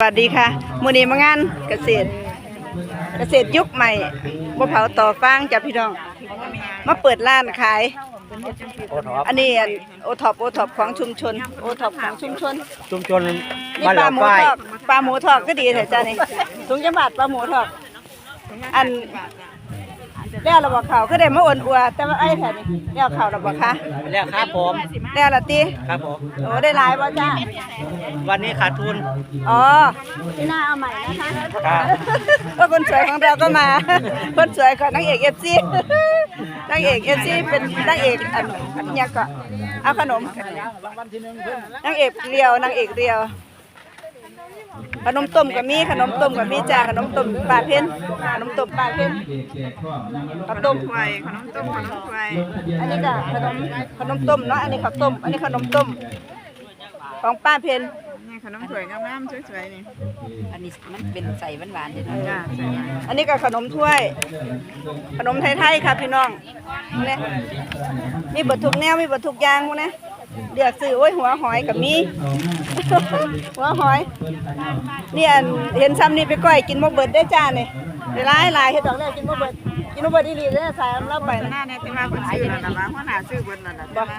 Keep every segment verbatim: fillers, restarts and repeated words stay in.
สวัสดีค่ะมื้อนี้มางานเกษตรเกษตรยุคใหม่บ่เผาต่อฟางจ้ะพี่น้องมาเปิดร้านขายอันนี้โอท็อปโอท็อปของชุมชนโอท็อปของชุมชนชุมชนนี่บ้านปหลาลาหมูฝ้ายทอดปลาหมูทอดก็ดีแท้จ้ะนี่ถุงจังบาทปลาหมูทอดอันแล้วเราบอกเขาก็ได้มาอ่อนอัวแต่ว่าไอ้แท้นี่แล้วเขาเราบอกค่ะแล้วครับผมแล้วละติครับผมโอ้ได้หลายบ่จ้าวันนี้ขาดทุนอ๋อที่หน้าเอาใหม่นะคะครับก็คนสวยของเราก็มา คนสวยของนางเอกเอฟซีนางเอกเอฟซีเป็นนางเอกอันอันเนี้ยก็เอาขนมนางเอกเรียวนางเอกเรียวขนมต้มกับมีขนมต้มกับมีจ้าขนมต้มปลาเพ็ญขนมต้มปลาเพ็ญข้าวต้มควายขนมต้มขนมควายอันนี้ก็ขนมขนมต้มเนาะอันนี้ข้าวต้มอันนี้ขนมต้มของป้าเพ็ญนี่ขนมถ้วยงามๆสวยๆนี่อันนี้มันเป็นใส่หวานๆด้วยจ้าอันนี้ก็ขนมถ้วย ขนมไทยๆค่ะพี่น้องเนี่ยมีเบิดทุกแนวมีเบิดทุกอย่างพวกนี้เดือดซื้อโอ้ยหัวหอยกับมี หัวหอยนี่อันเห็นซ้ำนี่ไปก้อยกินบ่เบิดได้จ้านี่ได้หลายหลายเฮ็ดดอกแล้วกินบ่เบิดกินบ่เบิดอีหลีเด้อสายเราไปหน้าเนี่ยที่ว่าเพิ่นซื้อนั่นน่ะว่าหัวหน้าซื้อเบิดนั่นน่ะบ่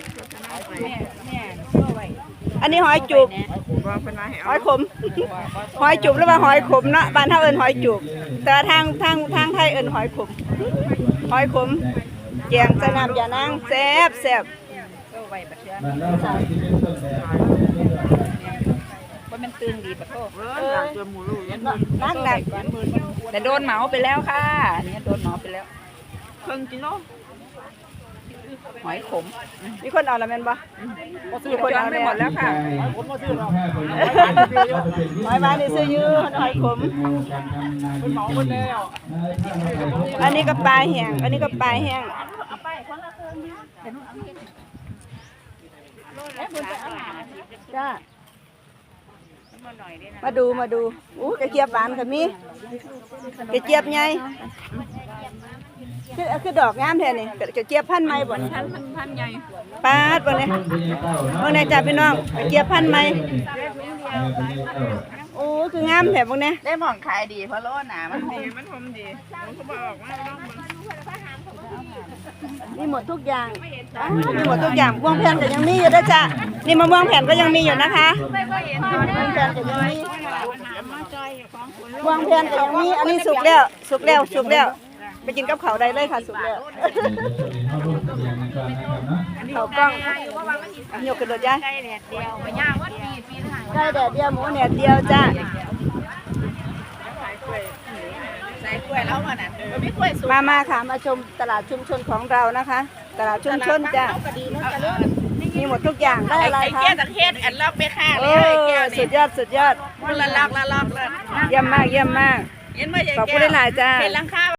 อันนี้หอยจุบบ่เพิ่นว่าให้เอาหอยขม หอยจุบหรือว่าหอยขมเนาะบ้านเฮาเอิ้นหอยจุบแต่ทางทางทางไทยเอิ้นหอยขมหอยขมแกงใส่น้ำยานางแซ่บแซ่บว่ามันตึงดีปะโตเออนักหนักแต่โดนเหมาไปแล้วค่ะอันนี้โดนเหมาไปแล้วครึ่งกิโลหอยขมมีคนเอาแล้วแม่นบ่มีคนเอาไปหมดแล้วค่ะหอยบ้านนี่ซื้อยื้อหอยขมอันนี้ก็ปลาแห้งอันนี้ก็ปลาแห้งจ้ามาดูมาดูอู้กระเจี๊ยบหวานค่ะมีกระเจี๊ยบไงคือคือดอกงามแท้นี่กระเจี๊ยบพันธุ์ใหม่บ่พันพันใหญ่ปาดบ่เนี่ยบ่เนี่ยจ้าพี่น้องกระเจี๊ยบพันธุ์ใหม่โอ้คืองามแท้บ่เนี่ยได้หม่องขายดีเพราะโลหนามันดีมันหอมดีเขาบอกว่ามีหมดทุกอย่างมีหมดทุกอย่างม่วงแผ่นก็ยังมีอยู่ด้วยจ้ะนี่มะม่วงแผ่นก็ยังมีอยู่นะคะม่วงแผ่นก็ยังมีม่วงแผ่นก็ยังมีอันนี้สุกแล้วสุกแล้วสุกแล้วไปกินกับข้าวได้เลยค่ะสุกแล้วข้าวกล้องยกกระโดดย่างไก่แดดเดียวไม่ย่างวัดปีปีถ่ายไก่แดดเดียวหมูแดดเดียวจ้ะมามาค่ะมาชมตลาดชุมชนของเรานะคะตลาดชุมชนจ้ะมีหมดทุกอย่างได้อะไรคะไอ้แก้วตะเคียนอันล็อกไปค่ะโอ้สุดยอดสุดยอดละล็อกละล็อกเยี่ยมมากเยี่ยมมากขอบคุณหลายจ้า